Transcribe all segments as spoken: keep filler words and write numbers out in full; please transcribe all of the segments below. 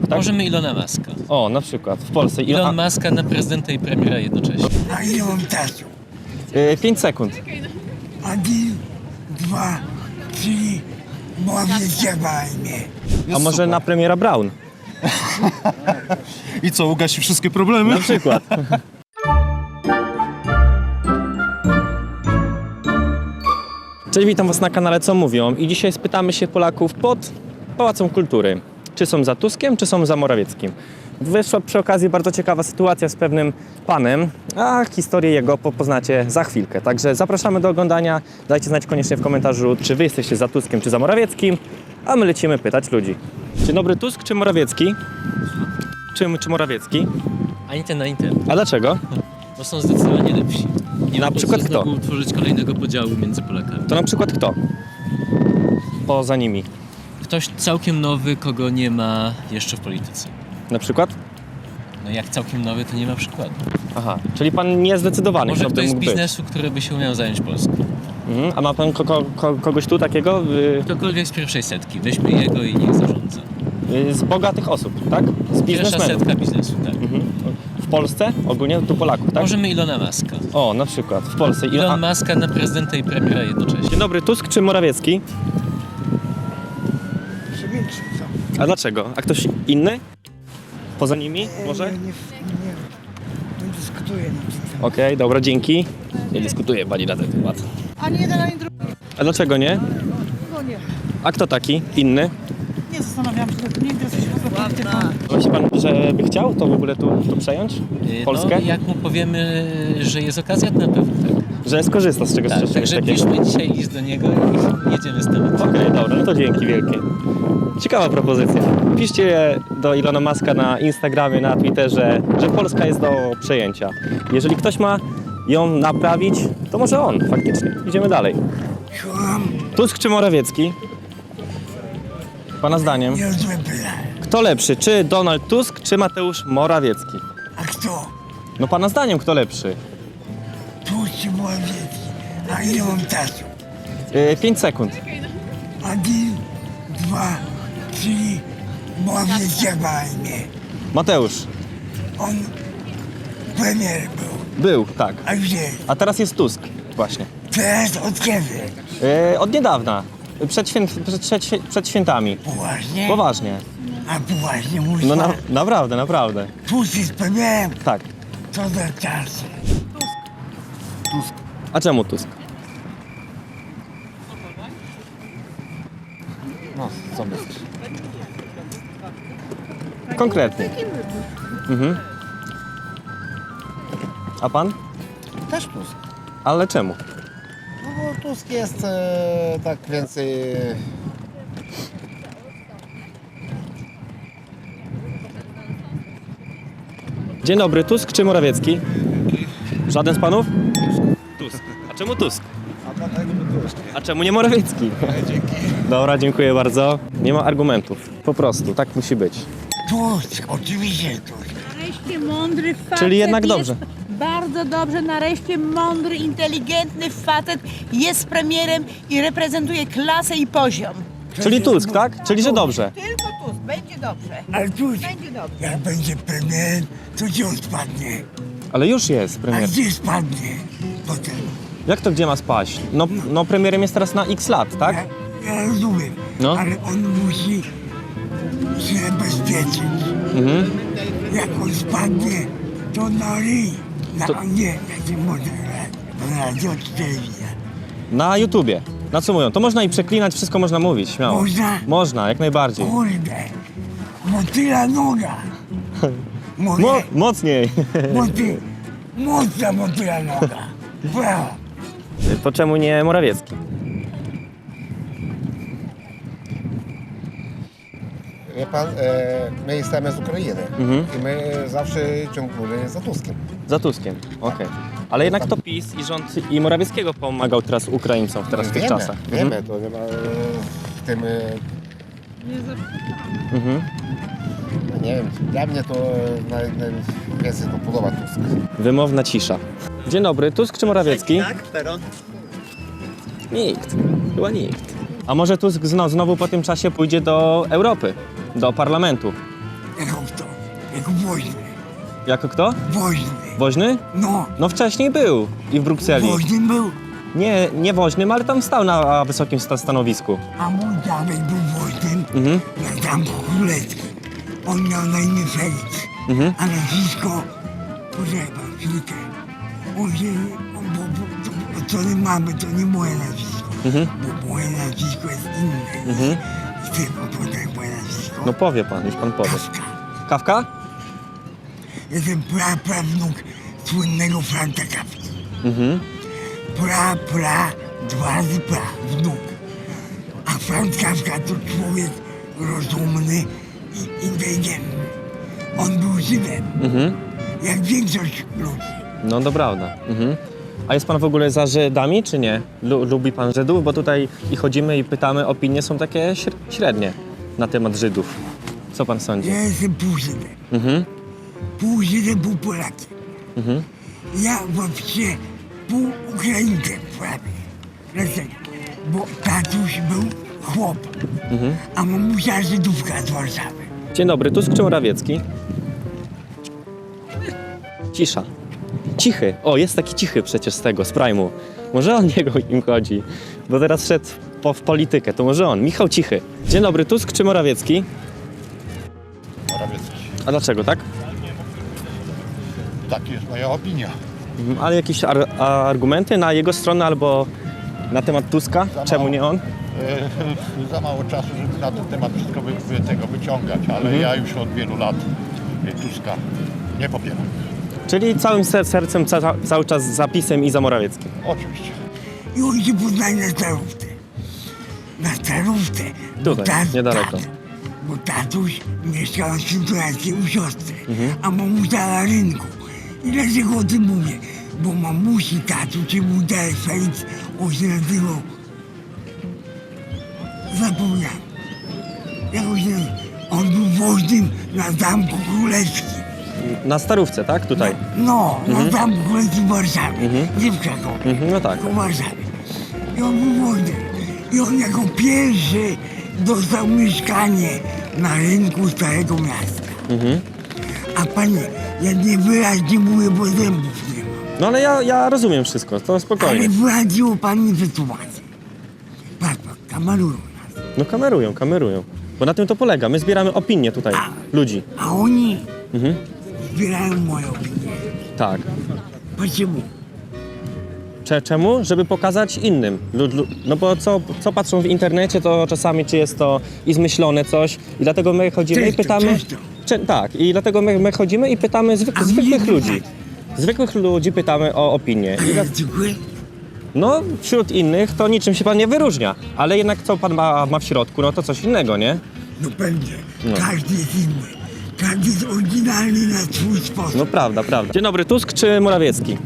tak? Możemy Ilona Muska. O, na przykład w Polsce. Elon a- Muska na prezydenta i premiera jednocześnie. A ile mam czasu? y, pięć sekund. Один, dwa, trzy, mówicie mnie. A może na premiera Brown? I co, ugasi wszystkie problemy? Na przykład. Cześć, witam was na kanale Co Mówią i dzisiaj spytamy się Polaków pod Pałacem Kultury. Czy są za Tuskiem, czy są za Morawieckim? Wyszła przy okazji bardzo ciekawa sytuacja z pewnym panem, a historię jego po- poznacie za chwilkę. Także zapraszamy do oglądania. Dajcie znać koniecznie w komentarzu, czy wy jesteście za Tuskiem, czy za Morawieckim, a my lecimy pytać ludzi. Dzień dobry, Tusk czy Morawiecki? Czy, czy Morawiecki? Ani ten, ani ten. A dlaczego? Bo są zdecydowanie lepsi. Nie Na ma po co przykład kto? znowu utworzyć kolejnego podziału między Polakami. To na przykład kto? Poza nimi. Ktoś całkiem nowy, kogo nie ma jeszcze w polityce. Na przykład? No jak całkiem nowy, to nie ma przykładu. Aha, czyli pan nie jest zdecydowany, Może kto by ktoś z mógł być. biznesu, który by się umiał zająć Polską. Mhm. A ma pan ko- ko- ko- kogoś tu takiego? Y- Ktokolwiek z pierwszej setki. Weźmy jego i niech zarządza. y- z bogatych osób, tak? Z Pierwsza biznesmenów. setka biznesu, tak. Mhm. W Polsce? Ogólnie tu Polaków, tak? Możemy Ilona Muska. O, na przykład w Polsce. Ile- Elon a- Muska na prezydenta i premiera jednocześnie. Dzień dobry, Tusk czy Morawiecki? Przemilczmy co? A dlaczego? A ktoś inny? Poza nimi może? Nie, nie, nie, nie dyskutuję na ten temat. Okej, dobra, dzięki. Nie dyskutuję pani na ten temat. Ani jeden, ani drugi. A dlaczego nie? No nie. A kto taki? Inny? Nie zastanawiałam się, nie interesuję się w ogóle polityką. Myśli pan, że by chciał to w ogóle tu, tu przejąć? Yy, Polskę? No, jak mu powiemy, że jest okazja, to na pewno tak. Że skorzysta z czegoś, Tak, czegoś także takiego? piszmy dzisiaj list do niego i jedziemy z tematem. Okej, dobra, no to dzięki wielkie. Ciekawa propozycja. Piszcie do Ilona Muska na Instagramie, na Twitterze, że Polska jest do przejęcia. Jeżeli ktoś ma ją naprawić, to może on, faktycznie. Idziemy dalej. Słucham, Tusk czy Morawiecki? Pana zdaniem. niezłe pytanie. Kto lepszy, czy Donald Tusk, czy Mateusz Morawiecki? A kto? No pana zdaniem kto lepszy? Tłuszczy młodzieci. A ile mam czasu? Yy, pięć sekund. Один, dwa, trzy, mówicie mnie. Mateusz. On premier był. Był, tak. A gdzie? A teraz jest Tusk. Właśnie. Teraz od kiedy? Yy, od niedawna. Przed, święt, przed, przed, przed świętami. Poważnie? Poważnie. A poważnie mówisz? No na, naprawdę, naprawdę. Tłuszcz jest premierem. Tak. Co za czasy? A czemu Tusk? No, co myślisz? Konkretnie. Mhm. A pan? Też Tusk. Ale czemu? No bo Tusk jest e, tak więcej... Dzień dobry, Tusk czy Morawiecki? Żaden z panów? Tusk. A czemu Tusk? A czemu nie Morawiecki? Dobra, dziękuję bardzo. Nie ma argumentów. Po prostu, tak musi być. Tłuszcz, oczywiście tłuszcz. Nareszcie mądry facet. Czyli jednak jest dobrze. Bardzo dobrze, nareszcie mądry, inteligentny facet jest premierem i reprezentuje klasę i poziom. Czyli Tusk, tak? Czyli że dobrze. Tylko Tusk, będzie dobrze. Ale tłuszcz, Będzie dobrze. jak będzie premierem, to gdzie on spadnie? Ale już jest A premier. gdzie spadnie potem? Jak to gdzie ma spaść? No, no premierem jest teraz na X lat, tak? Ja, ja rozumiem, No. ale on musi się bezpieczyć. Mhm. Jak on spadnie, to na ryj. Na, To- Nie, jak się może grać. Bo na radio czy telewizja. Na YouTubie. Na co mówią? To można i przeklinać, wszystko można mówić, śmiało. Można? Można, jak najbardziej. Kurde, motyla noga. Mogę? Mo- mocniej. Moty, mocna motyla noga. Brawo. To czemu nie Morawiecki? Wie pan, e, my jesteśmy z Ukrainy Mhm. i my zawsze ciągnęli za Tuskiem. Za Tuskiem, okej. Ale jednak to PiS i rząd i Morawieckiego pomagał teraz Ukraińcom teraz w tych wiemy, czasach. Wiemy, to nie ma e, w tym... E, Mhm. no nie wiem, dla mnie to naj, najwięcej to podoba Tusk. Wymowna cisza. Dzień dobry, Tusk czy Morawiecki? Tak, peron. Nikt, chyba nikt. A może Tusk znowu, znowu po tym czasie pójdzie do Europy, do parlamentu? jako woźny. Jako kto? Woźny. Woźny? No, No wcześniej był i w Brukseli. woźny był, Nie, nie woźnym, ale tam stał na wysokim sta- stanowisku. a mój dziadek był woźnym Mhm. na Zamku Królewskim. On miał na imię Felix, Mhm. a nazwisko, poczekaj chwilkę, on się, on, bo, bo, to, od strony mamy, to nie moje nazwisko, Mhm. bo moje nazwisko jest inne. Mhm. Chcę podać moje nazwisko. No powie pan, już pan powie. Kafka. Kawka? Jestem praprawnuk słynnego Franza Kafki. Mhm. Pra, pra, dwa razy pra, wnuk. A Franz Kafka to człowiek rozumny i inteligentny. On był Żydem, Mhm. jak większość ludzi. No to prawda. Mhm. A jest pan w ogóle za Żydami, czy nie? Lu- lubi pan Żydów? Bo tutaj i chodzimy i pytamy, opinie są takie śr- średnie na temat Żydów. Co pan sądzi? Ja jestem pół Żydem. Mhm. Pół Żydem, pół Polakiem. Mhm. Ja właściwie pół Ukraińcem prawie. Dlaczego? Bo tatuś był chłop, Mhm. a mamusia Żydówka z Warszawy. Dzień dobry, Tusk czy Morawiecki? Cisza. Cichy. O, jest taki cichy przecież z tego, z Prime'u. Może on niego im chodzi, bo teraz szedł po, w politykę, to może on. Michał Cichy. Dzień dobry, Tusk czy Morawiecki? Morawiecki. A dlaczego, tak? Taka jest moja opinia. Mhm. Ale jakieś ar- argumenty na jego stronę albo na temat Tuska? Za Czemu mało. nie on? E, za mało czasu, żeby na ten temat wszystko wy, wy, tego wyciągać, ale Mhm. ja już od wielu lat e, Tuska nie popieram. Czyli całym ser- sercem ca- cały czas za PiS-em i za Morawieckim. Oczywiście. I oni się poznali na Starówce. Na Starówce. bo Tutaj, tat- niedaleko. tat- Bo tatuś mieszkał na Świętojańskiej u siostry, Mhm. a mamusia na rynku. I dlaczego o tym mówię? Bo mamusi tatuś, czy mój dalej Felix, on się nazywał... Zapomniałem. Jak on się nazywał? On był woźnym na Zamku Królewskim. Na Starówce, tak? Tutaj. No, na Zamku Królewskim w Warszawie. Mhm. Nie w Krakowie. Mhm, no tak. Tylko w Warszawie. I on był woźnym. I on jako pierwszy dostał mieszkanie na rynku Starego Miasta. Mhm. A panie, ja nie wyraźnie mówię, bo zębów nie mam. No ale ja, ja rozumiem wszystko, to Ale spokojnie. wyraziło pan mi wytłumaczyć. Patrz pan, kamerują nas. No kamerują, kamerują. Bo na tym to polega. My zbieramy opinie tutaj ludzi. A oni Mhm. zbierają moją opinię. Tak. Czemu? Cze- Czemu? Żeby pokazać innym. Lu- lu- No bo co, co patrzą w internecie, to czasami czy jest to i zmyślone coś i dlatego my chodzimy Często, i pytamy... często. Cze- tak, i dlatego my, my chodzimy i pytamy zwyk- A mnie zwykłych nie ludzi. pytać. Zwykłych ludzi pytamy o opinię. I dla- Ale dziękuję. no, wśród innych to niczym się pan nie wyróżnia. Ale jednak co pan ma, ma w środku, no to coś innego, nie? No pewnie, No. każdy jest inny. Każdy jest oryginalny na swój sposób. No prawda, prawda. Dzień dobry, Tusk czy Morawiecki?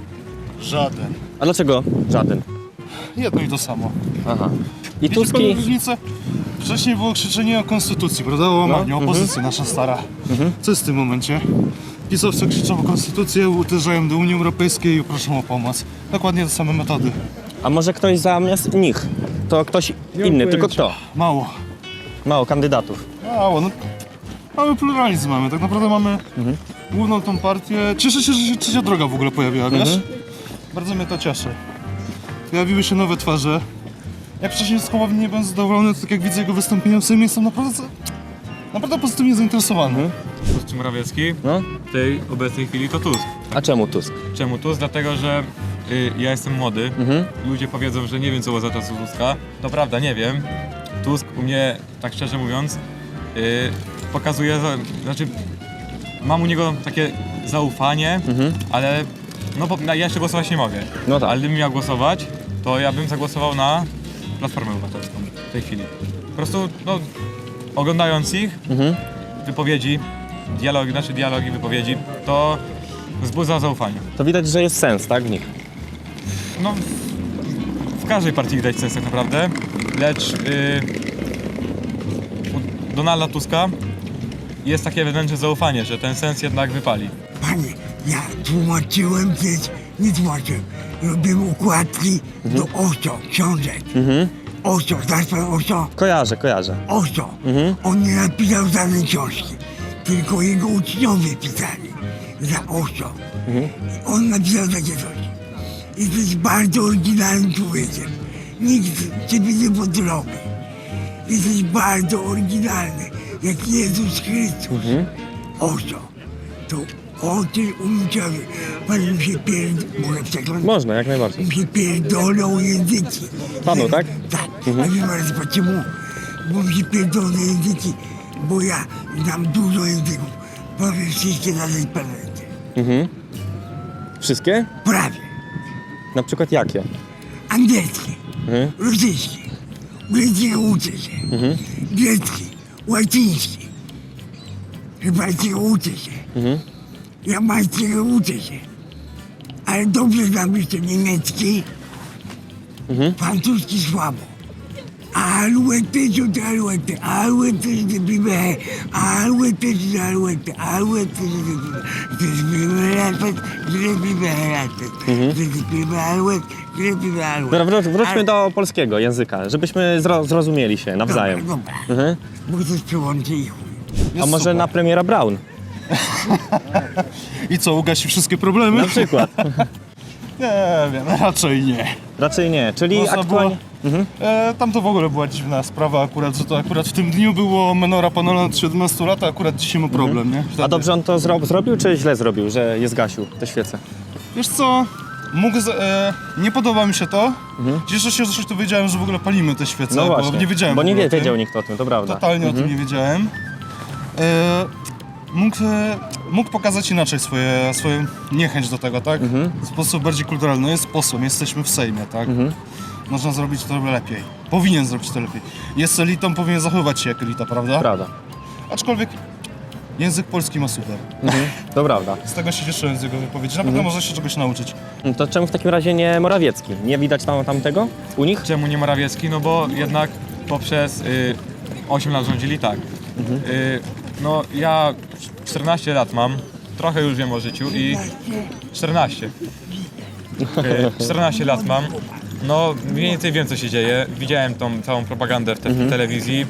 Żaden. A dlaczego żaden? Jedno i to samo. Aha. I Wiecie Tusk panu i... różnicę? Wcześniej było krzyczenie o konstytucji, prawda? O łamaniu, No, opozycja nasza stara. Co jest w tym momencie? Pisowcy krzyczą o konstytucję, uderzają do Unii Europejskiej i proszą o pomoc. Dokładnie te same metody. A może ktoś zamiast nich? To ktoś Nie inny, mam tylko pojęcia. kto? Mało. Mało kandydatów. Mało, no. Mamy pluralizm, mamy. Tak naprawdę mamy Mhm. główną tą partię. Cieszę się, że się trzecia droga w ogóle pojawiła, wiesz? Mhm. Bardzo mnie to cieszy. Pojawiły się nowe twarze. Jak wcześniej z Hołowni nie byłem zadowolony, to tak jak widzę jego wystąpienia w Sejmie, jestem naprawdę, naprawdę pozytywnie zainteresowany. Mhm. Tusk czy Morawiecki? No. W tej obecnej chwili to Tusk. A czemu Tusk? Czemu Tusk? Dlatego, że y, ja jestem młody. Mhm. Ludzie powiedzą, że nie wiem co było za czasów Tuska. To prawda, nie wiem. Tusk u mnie, tak szczerze mówiąc, y, pokazuje, za, znaczy mam u niego takie zaufanie, Mhm. ale no bo ja jeszcze głosować nie mogę. No tak. Ale gdybym miał głosować, to ja bym zagłosował na Platformę Obywatelską w tej chwili. Po prostu, no, oglądając ich, Mhm. wypowiedzi, dialogi, znaczy dialogi, wypowiedzi, to wzbudza zaufanie. To widać, że jest sens, tak, w nich. No, w każdej partii widać sens tak naprawdę, lecz yy, u Donalda Tuska jest takie wewnętrzne zaufanie, że ten sens jednak wypali. Panie, ja tłumaczyłem też, nie tłumaczyłem. Robiłem układki do Osio, książek. Mhm. Osio, znasz pan Osio? Kojarzę, kojarzę. Osio. Mhm. On nie napisał żadnej książki. tylko jego uczniowie pisali za Osio. I on napisał takie coś. Jesteś bardzo oryginalnym człowiekiem. Nikt ciebie nie podrobi. Jesteś bardzo oryginalny, jak Jezus Chrystus. Osio. To o tym uczniowie. Pan mi się pierd... Mogę przekląć? Można, jak najbardziej. Mi się pierdolą języki. Panu, tak? Tak. A wie pan dlaczego? Bo mi się pierdolą języki, bo ja znam dużo języków. Powiem wszystkie na tej planecie. Mhm. Wszystkie? Prawie. Na przykład jakie? Angielski, Mhm. rosyjski, greckiego uczę się, Mhm. grecki, łaciński, chybańskiego uczę się, Mhm. jamańskiego uczę się, ale dobrze znam jeszcze niemiecki, Mhm. francuski słabo. Alouette sont alouette, alouette c'est des bibés, alouette c'est alouette, alouette c'est des bibés, c'est des bibés la tête, c'est des bibés la tête, c'est des bibés alouette, c'est des bibés alouette. Dobra, wró- wróćmy do polskiego języka, żebyśmy zro- zrozumieli się nawzajem. Dobra, dobra, Mhm. bo coś przełączy i chuj. A Jest może super. na premiera Brown? I co, ugasi wszystkie problemy? Na przykład. Nie wiem, raczej nie. Raczej nie, czyli Można aktualnie... Mhm. E, tam to w ogóle była dziwna sprawa akurat, że to akurat w tym dniu było Menora Panola od siedemnastu lat, a akurat dzisiaj ma problem, nie? Wtedy. A dobrze on to zro- zrobił, czy źle zrobił, że je zgasił te świece? Wiesz co, mógł z, e, nie podoba mi się to. Cieszę się, że to wiedziałem, że w ogóle palimy te świece, No bo właśnie, nie wiedziałem. bo w nie ogóle wie, o tym. wiedział nikt o tym, to prawda. Totalnie o tym nie wiedziałem. E, mógł, e, mógł pokazać inaczej swoje, swoją niechęć do tego, tak? W sposób bardziej kulturalny. No jest posłem, jesteśmy w Sejmie, tak? Można zrobić to lepiej. Powinien zrobić to lepiej. Jest elitą, powinien zachowywać się jak elita, prawda? Prawda. Aczkolwiek język polski ma super. Mhm. To prawda. Z tego się cieszyłem z jego wypowiedzi. Na pewno można się czegoś nauczyć. To czemu w takim razie nie Morawiecki? Nie widać tam tamtego u nich? Czemu nie Morawiecki? No bo jednak poprzez y, osiem lat rządzili tak. Y, no ja czternaście lat mam, trochę już wiem o życiu i czternaście. Y, czternaście lat mam. No mniej więcej wiem co się dzieje. Widziałem tą całą propagandę w, te, w telewizji.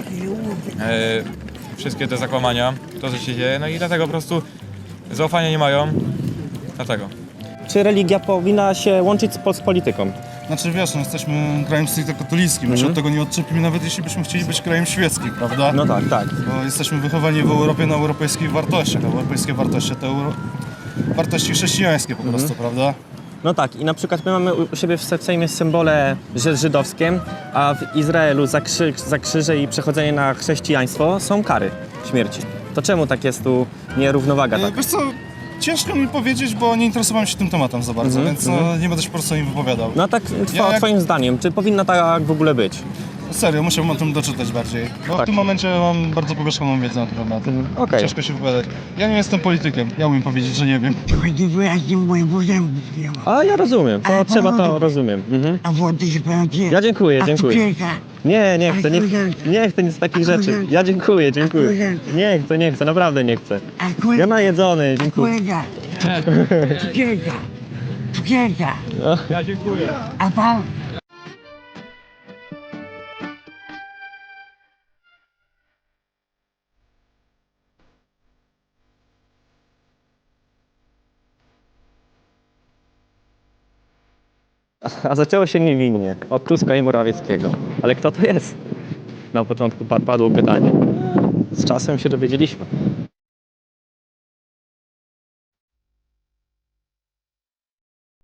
Y, wszystkie te zakłamania, to co się dzieje. No i dlatego po prostu zaufania nie mają. Dlatego. Czy religia powinna się łączyć z, pol- z polityką? Znaczy wiesz, no jesteśmy krajem stricte katolickim. My się od tego nie odczepimy, nawet jeśli byśmy chcieli być krajem świeckim, prawda? No tak, tak. Bo jesteśmy wychowani w Europie na europejskich wartościach. A europejskie wartości to euro... wartości chrześcijańskie po prostu, prawda? No tak, i na przykład my mamy u siebie w Se- w Sejmie symbole ży- żydowskie, a w Izraelu za, krzy- za krzyże i przechodzenie na chrześcijaństwo są kary śmierci. To czemu tak jest tu nierównowaga E, tak? Wiesz co, ciężko mi powiedzieć, bo nie interesowałem się tym tematem za bardzo, Mhm, więc no, nie będę się po prostu o nim wypowiadał. No tak two- Ja jak- twoim zdaniem, czy powinna tak w ogóle być? Serio, musiałbym o tym doczytać bardziej. Bo Tak. w tym momencie mam bardzo powierzchowną wiedzę na ten temat. Okej. Ciężko się wypowiadać. Ja nie jestem politykiem, ja umiem powiedzieć, że nie wiem. Chodzi wyraźnie mojego zębu nie ma. A ja rozumiem, to Ale trzeba to powodów. rozumiem. Mhm. A wody się pan pije? Ja dziękuję, A dziękuję. cukierka? Nie, nie chcę, nie, koleżanka? nie chcę nic z takich A rzeczy. koleżanka? Ja dziękuję, dziękuję. koleżanka? Nie chcę, nie chcę, naprawdę nie chcę. A kolega? Ja najedzony, dziękuję. Kolega. Cukierka. Cukierka. No. Ja dziękuję. A pan? A zaczęło się niewinnie, od Tuska i Morawieckiego. Ale kto to jest? Na początku pa- padło pytanie. Z czasem się dowiedzieliśmy.